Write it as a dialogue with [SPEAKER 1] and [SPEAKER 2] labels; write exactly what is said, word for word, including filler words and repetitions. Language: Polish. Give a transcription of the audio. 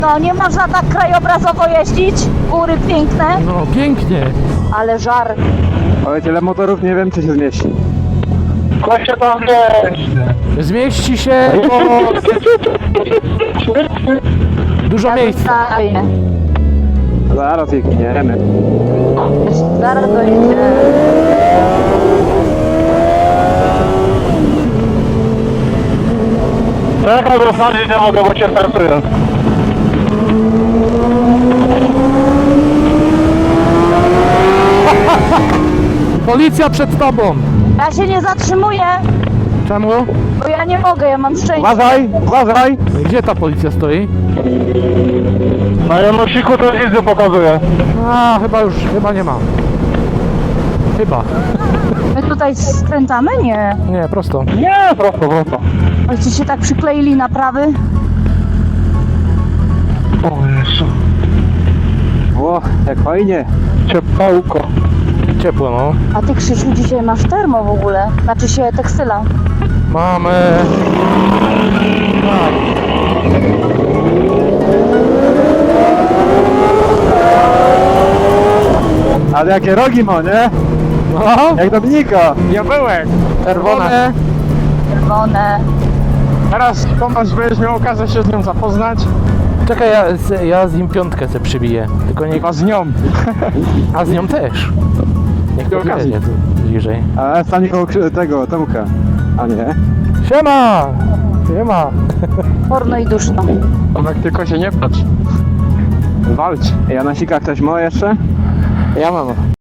[SPEAKER 1] No nie można tak krajobrazowo jeździć, góry piękne,
[SPEAKER 2] No pięknie.
[SPEAKER 1] ale żar.
[SPEAKER 3] Ale tyle motorów nie wiem, czy się zmieści.
[SPEAKER 4] Kościa tam nie.
[SPEAKER 2] Zmieści się, bo dużo miejsca.
[SPEAKER 1] Fajnie.
[SPEAKER 3] Zaraz biegniemy.
[SPEAKER 1] Zaraz dojedziemy.
[SPEAKER 4] Czekaj, bo wsadzić nie mogę, bo cię startuję.
[SPEAKER 2] Policja przed tobą.
[SPEAKER 1] Ja się nie zatrzymuję,
[SPEAKER 2] Czemu?
[SPEAKER 1] bo ja nie mogę, ja mam szczęście.
[SPEAKER 3] Uważaj, uważaj!
[SPEAKER 2] Gdzie ta policja stoi?
[SPEAKER 4] Na Janosiku to nic pokazuje.
[SPEAKER 2] A, chyba już, chyba nie ma. Chyba.
[SPEAKER 1] My tutaj skręcamy? Nie.
[SPEAKER 2] Nie, prosto.
[SPEAKER 4] Nie, prosto, prosto.
[SPEAKER 1] Ojcy się tak przykleili na prawy.
[SPEAKER 4] O Jezu.
[SPEAKER 3] O, jak fajnie.
[SPEAKER 4] Ciepłko.
[SPEAKER 2] Ciepło, no.
[SPEAKER 1] A ty, Krzysiu, dzisiaj masz termo w ogóle. Znaczy się tekstyla.
[SPEAKER 2] Mamy...
[SPEAKER 3] Ale jakie rogi ma, nie?
[SPEAKER 2] No,
[SPEAKER 3] Jak Dominika.
[SPEAKER 4] Diabełek.
[SPEAKER 2] czerwone.
[SPEAKER 1] Czerwone.
[SPEAKER 4] Teraz Tomasz będziesz miał okazję się z nią zapoznać.
[SPEAKER 2] Czekaj, ja, z- ja z nim piątkę se przybiję. Tylko nie...
[SPEAKER 4] Chyba z nią.
[SPEAKER 2] A z nią też. Niech to
[SPEAKER 4] Przy okazji.
[SPEAKER 2] okazji tu bliżej.
[SPEAKER 3] A stanie koło krzy- tego, Tomka. A nie?
[SPEAKER 2] Siema! Siema!
[SPEAKER 1] Porno i duszno.
[SPEAKER 4] Tomek, tylko się nie patrz. Walcz.
[SPEAKER 3] Janosika ktoś ma jeszcze?
[SPEAKER 2] Ja mam.